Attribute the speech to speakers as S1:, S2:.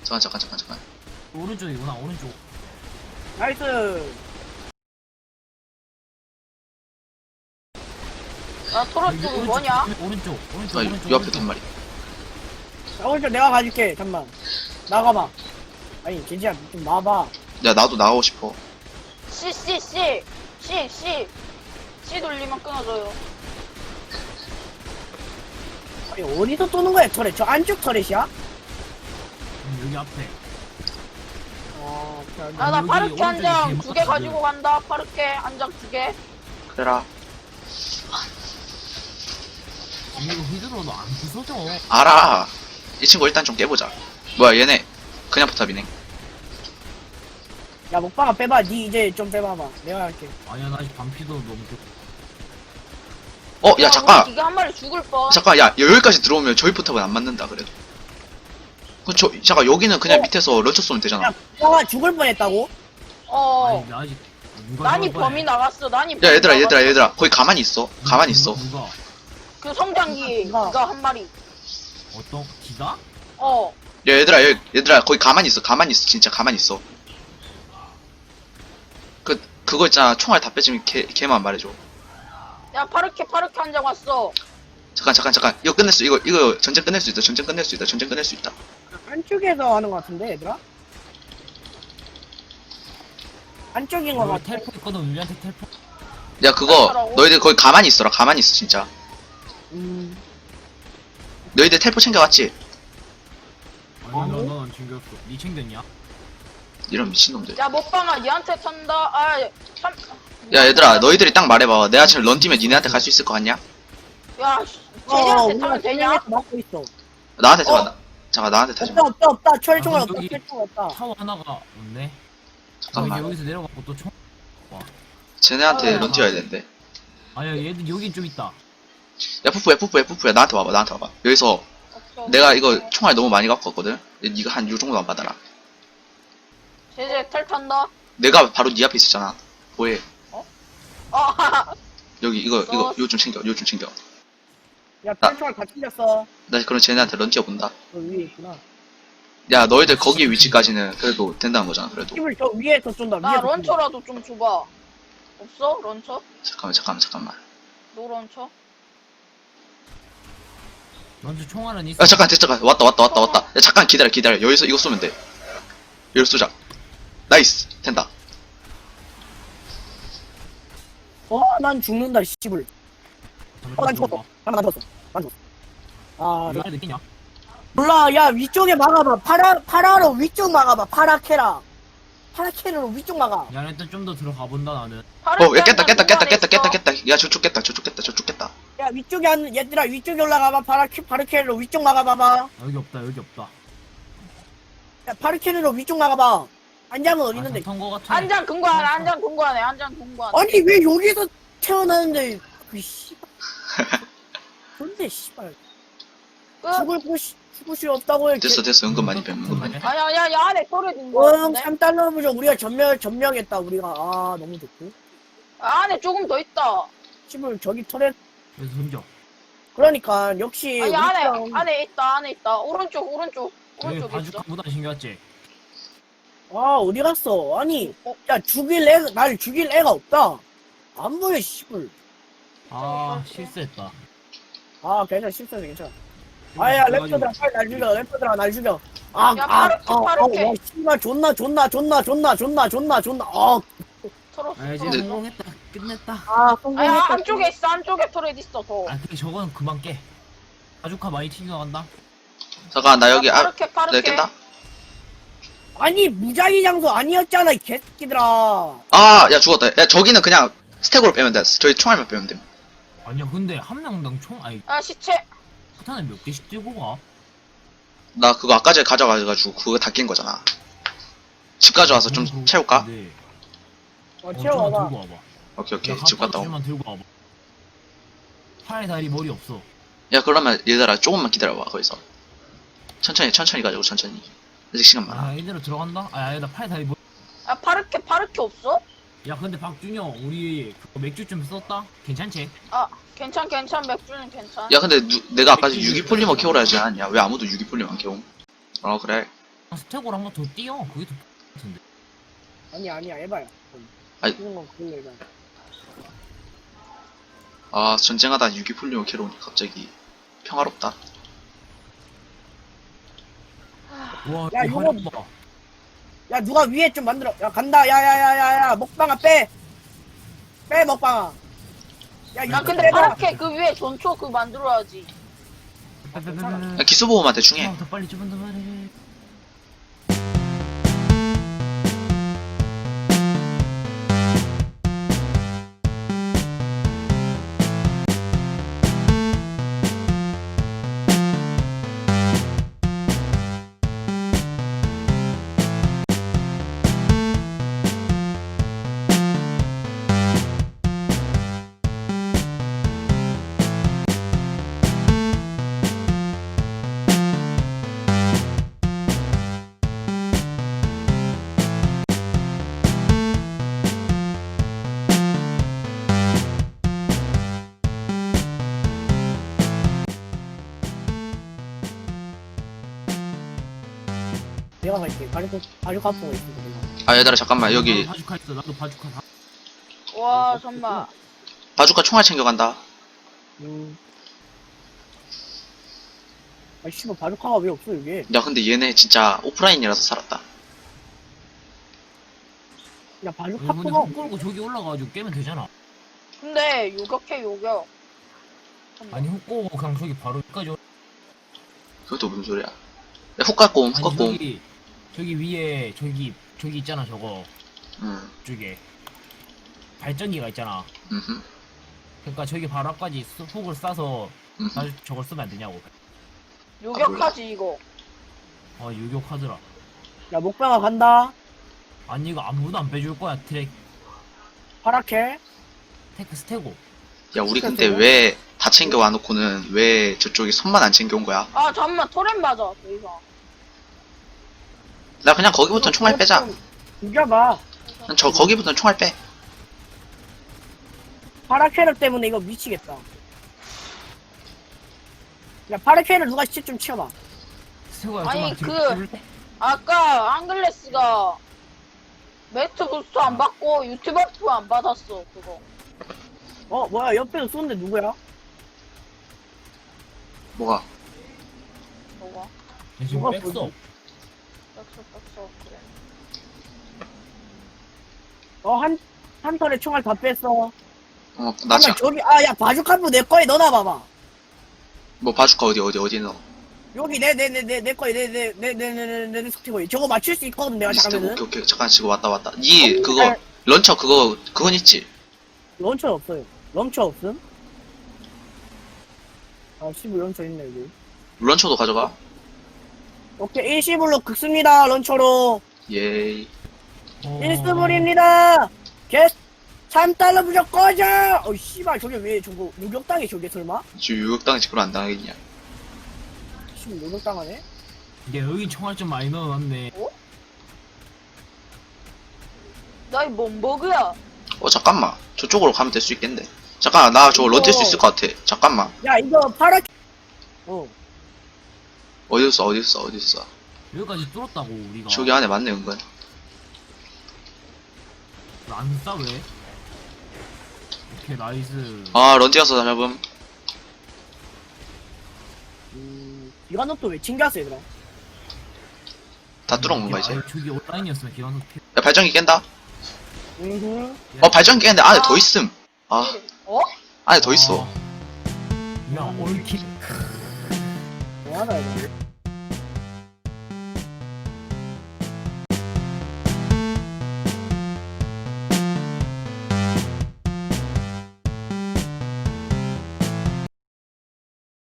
S1: 잠깐.
S2: 오른쪽이구나, 오른쪽.
S3: 나이스.
S4: 야 토론 쪽 뭐냐?
S2: 오른쪽.
S1: 아, 요 앞에 단 말이.
S3: 자, 오른쪽 내가 가줄게. 잠만. 나가봐. 아니, 괜찮아. 좀 나와봐.
S1: 야, 나도 나가고 싶어.
S4: C 돌리면 끊어져요.
S3: 아니, 어디서 쏘는 거야, 터렛? 저 안쪽 터렛이야?
S2: 여기 앞에.
S4: 나
S2: 여기
S4: 파르케 한 장
S2: 오른쪽에
S4: 2개 가지고 간다. 파르케 한 장 2개.
S1: 그래라.
S2: 이거 휘두르도 안 부서져.
S1: 알아. 이 친구 일단 좀 깨보자. 뭐야, 얘네. 그냥 포탑이네.
S3: 야, 먹방아 빼봐. 니 이제 좀 빼봐봐. 내가 할게.
S2: 아니야, 나 아직 반피도 넘고.
S1: 야, 잠깐.
S4: 이게 한 마리 죽을 뻔.
S1: 잠깐, 야, 여기까지 들어오면 저희 포탑은 안 맞는다, 그래도. 잠깐, 여기는 그냥 밑에서 런처 쏘면 되잖아.
S3: 야, 먹방아 죽을 뻔했다고?
S4: 어.
S2: 아니, 나 아직. 누가
S4: 난이
S2: 저럴
S4: 범위
S2: 거야.
S4: 나갔어. 난이
S1: 야,
S4: 범위 나갔어.
S1: 얘들아. 거기 가만히 있어. 가만히 있어.
S2: 누가?
S4: 그 성장기
S3: 누가?
S4: 이거 한 마리.
S2: 어떤, 기가?
S4: 어.
S1: 야, 얘들아, 거기 가만히 있어. 진짜 가만히 있어. 그거 있잖아. 총알 다 뺏으면 걔만 말해줘.
S4: 야 파르케 한 장 왔어.
S1: 잠깐. 이거 끝낼 수, 이거 전쟁 끝낼 수 있다. 전쟁 끝낼 수 있다.
S3: 안쪽에서 하는 거 같은데, 얘들아? 안쪽인 거
S2: 여기
S3: 같아.
S2: 텔포 있거든, 우리한테 텔포.
S1: 야, 그거,
S4: 어떡하라고?
S1: 너희들 거기 가만히 있어라. 가만히 있어, 진짜. 너희들 텔포 챙겨왔지?
S2: 아니, 넌안 챙겼어. 니 챙겼냐?
S1: 이런 미친놈들.
S4: 야 먹방아 얘한테 탄다. 참.
S1: 야, 얘들아, 너희들이 딱 말해봐. 내가 지금 런 뛰면 니네한테 갈 수 있을 거 같냐?
S4: 야 제니한테
S3: 우리가
S4: 타면 되냐?
S3: 진행해서 막고 있어.
S1: 나한테 타봐. 잠깐, 나한테 타지 마.
S3: 없다. 철총알
S2: 아,
S3: 없다.
S2: 저기-
S3: 철총 없다.
S2: 타워 하나가 없네.
S1: 잠깐만.
S2: 여기서 내려가고 또 총.
S1: 쟤네한테
S4: 아.
S1: 런 뛰어야 되는데.
S2: 아니야, 얘들 여긴 좀 있다.
S1: 야, 푸푸야. 나한테 와봐. 여기서 내가 이거 총알 너무 많이 갖고 왔거든? 니가 한 요 정도만 받아라.
S4: 제재 텔 탄다.
S1: 내가 바로 니 앞에 있었잖아. 뭐해?
S4: 아
S1: 여기, 요 좀 챙겨.
S3: 야, 철총알 다 챙겼어.
S1: 나 그럼 쟤네한테 런 뛰어본다.
S3: 저 위에 있구나.
S1: 야, 너희들 거기 위치까지는 그래도 된다는 거잖아, 그래도.
S3: 힘을 저 위에서 쏜다.
S4: 나
S3: 위에서 쏜다.
S4: 런처라도 좀 줘봐. 없어 런처?
S1: 잠깐만.
S4: 노 런처?
S2: 먼저 총알은 있어.
S1: 야, 잠깐. 왔다. 야, 잠깐 기다려. 여기서 이거 쏘면 돼. 여기서 쏘자. 나이스. 된다.
S3: 난 죽는다, 씨발. 난 죽었어. 난 죽었어. 아,
S2: 이거 느끼냐?
S3: 몰라. 야, 위쪽에 막아봐. 파라로 위쪽 막아봐. 파라케로 위쪽 막아.
S2: 야, 일단 좀 더 들어가 본다 나는.
S1: 야, 깼다. 야, 저쪽 깼다.
S3: 야, 얘들아, 위쪽에 올라가봐. 파르케로 위쪽 막아봐봐.
S2: 여기 없다.
S3: 야, 파르케로 위쪽 막아봐. 안장은 어디 있는데?
S2: 탄거 같아.
S4: 한장 근거하네. 한장 근거하네.
S3: 아니, 왜 여기서 태어나는데, 씨발. 근데, 씨발. 죽을 수 없다고 해.
S1: 됐어. 은근 많이 뱀.
S4: 아야 안에 소리 든거
S3: 응,
S4: 같은데?
S3: 3달러 부족. 우리가 점령했다, 우리가. 아, 너무 좋고.
S4: 안에 조금 더 있다.
S3: 씨발, 저기 터렛.
S2: 그래서 던져.
S3: 그러니까, 역시.
S4: 아니
S3: 우리랑-
S4: 안에 있다. 오른쪽
S2: 여기
S4: 있어.
S2: 바주카보다 신기하지?
S3: 아, 어디 갔어? 아니,
S4: 어?
S3: 야, 날 죽일 애가 없다. 안 보여, 씨발.
S2: 아, 실수했다.
S3: 아, 괜찮아. 아야, 랩터들아, 빨리 날 죽여.
S4: 야, 파르케.
S3: 와, 씨발, 존나.
S4: 털었어.
S2: 아, 이제
S1: 근데-
S2: 성공했다. 끝냈다.
S3: 성공했다.
S4: 안쪽에 있어. 안쪽에 터렛 있어 더.
S2: 아, 근데 저거는 그만 깨. 바주카 많이 튀겨간다.
S1: 잠깐, 나 여기,
S4: 파르케.
S1: 내가 깼다?
S3: 아니, 무작위 장소 아니었잖아, 이 개새끼들아.
S1: 아, 야, 죽었다. 야, 저기는 그냥 스택으로 빼면 돼. 저희 총알만 빼면 돼.
S2: 아니야, 근데 한 명당 총, 아니,
S4: 시체.
S2: 포탄을 몇 개씩 들고 가?
S1: 나 그거 아까 전에 가져가가지고 그거 다 깬 거잖아. 집 가져와서 좀 채울까?
S2: 네.
S3: 채워봐.
S2: 들고 와봐.
S1: 오케이. 집 갔다 오.
S2: 만 들고 와봐. 팔, 다리, 머리 없어.
S1: 야, 그러면 얘들아, 조금만 기다려봐, 거기서. 천천히 가자고, 천천히. 아직 시간 많아.
S2: 아, 이대로 들어간다? 아, 나 팔, 다리, 머리.
S4: 파르케 없어?
S2: 야, 근데 박준영, 우리 그거 맥주 좀 썼다? 괜찮지?
S4: 괜찮. 맥주는 괜찮.
S1: 야, 근데 내가 아까 유기폴리머 캐오라 하지 않았냐? 왜 아무도 유기폴리머 안 캐옴? 그래.
S2: 스택으로 한 번 더 뛰어. 그게 더 같은데.
S3: 아니야 에바야.
S1: 아이.
S3: 그런 건 그걸로 에바.
S1: 아 전쟁하다 유기풀리오 캐로니 갑자기 평화롭다.
S2: 와,
S3: 야,
S2: 이
S3: 이거-
S2: 화력 봐.
S3: 야 누가 위에 좀 만들어. 야 간다. 야야야야야 먹방아 빼. 빼 먹방아. 야
S4: 야,
S3: 이거
S4: 근데
S3: 빼봐.
S4: 파랗게 그 위에 전초 그 만들어야지.
S1: 야, 기수보호만 대충 해.
S2: 더 빨리 좀만 더 말해.
S3: 내가 갈게. 가죽 갖고 있어. 내가.
S1: 아 얘들아 잠깐만 여기
S2: 나도 바주카 있어. 나도 바주카 다.
S4: 와, 잠만.
S1: 바주카 총알 챙겨간다.
S3: 아 씨발 바주카가 왜 없어 이게?
S1: 야 근데 얘네 진짜 오프라인이라서 살았다.
S3: 야 바주카
S2: 근데
S3: 포가
S2: 훅 끌고 저기 올라가가지고 깨면 되잖아.
S4: 근데 요격해, 요격. 잠깐만.
S2: 아니 훅 끌고 그냥 저기 바로 여기까지 올.
S1: 그것도 무슨 소리야. 야, 훅 갖고 옴, 훅
S2: 아니
S1: 갖고 옴.
S2: 저기 위에 저기 있잖아 저거
S1: 응,
S2: 쪽에 발전기가 있잖아.
S1: 응,
S2: 그러니까 저기 바로 앞까지 훅을 쏴서
S1: 응.
S2: 나 저걸 쓰면 안 되냐고.
S4: 요격하지, 이거.
S2: 아 유격하더라.
S3: 야 먹방아 간다.
S2: 아니 이거 아무도 안 빼줄 거야 트랙
S3: 파랗게.
S2: 테크 스테고.
S1: 야 우리 근데 왜 다 챙겨와 놓고는 왜 저쪽에 손만 안 챙겨온 거야?
S4: 아, 잠만. 토렌 맞아, 더 이상.
S1: 나 그냥 거기부터 총알 빼자.
S3: 죽여봐.
S1: 그냥 저 거기부터 총알 빼.
S3: 파라케르 때문에 이거 미치겠다. 야 파라케르 누가 시체 좀 치워봐.
S2: 스테고야
S4: 아니,
S2: 좀만
S4: 그- 아까 앙글레스가 매트 부스트 안 받고 유튜브 프 안 받았어, 그거.
S3: 어 뭐야 옆에서 쏘는데 누구야?
S1: 뭐가?
S4: 뭐가?
S2: 지금
S3: 누가
S2: 뺐어.
S3: 보지?
S4: 뺐어, 그래.
S3: 한 털에 총알 다 뺐어.
S1: 나 지금
S3: 저기 야 바주카프 내 거에 넣어놔봐봐.
S1: 뭐 바주카 어디 넣어?
S3: 여기 내 거에 내 스티커에 저거 맞출 수 있거든 내가
S1: 리스트
S3: 잠깐만은.
S1: 오케이 잠깐 지금 왔다. 니 그거 런처 그건 있지?
S3: 런처 없어요. 런처 없음? 아 15 런처 있네 여기.
S1: 런처도 가져가.
S3: 오케이 일시불로 긁습니다 런처로.
S1: 예이.
S3: 일시불입니다. 겟 3달러 무조건 꺼져. 어 씨발 저게 왜 저거 요격당해 저게 설마?
S1: 지금 유격당했지 그럼 안 당하겠냐?
S3: 씨발 요격당하네?
S2: 이게 여기 총알 좀 많이 넣어놨네.
S4: 나이 뭔 버그야?
S1: 잠깐만 저쪽으로 가면 될 수 있겠는데. 잠깐 나 저거 런틸 수 있을 것 같아. 잠깐만
S3: 야 이거 파라.
S1: 어디 있어?
S2: 여기까지 뚫었다고 우리가.
S1: 저기 안에 맞네 은근.
S2: 안 싸 왜? 오케이 나이스.
S1: 아 런틸어서 잡음.
S3: 기관속도 왜 챙겼어 얘들아?
S1: 다 뚫은 건가 이제?
S2: 저기 온라인이었으면 기관속 피.
S1: 야 발전기 깬다.
S3: 음.
S1: 발전기 깼는데 안에 더 있음. 아
S4: 어?
S1: 안에 더 있어.
S2: 야 올킬.
S3: 뭐하나 이거?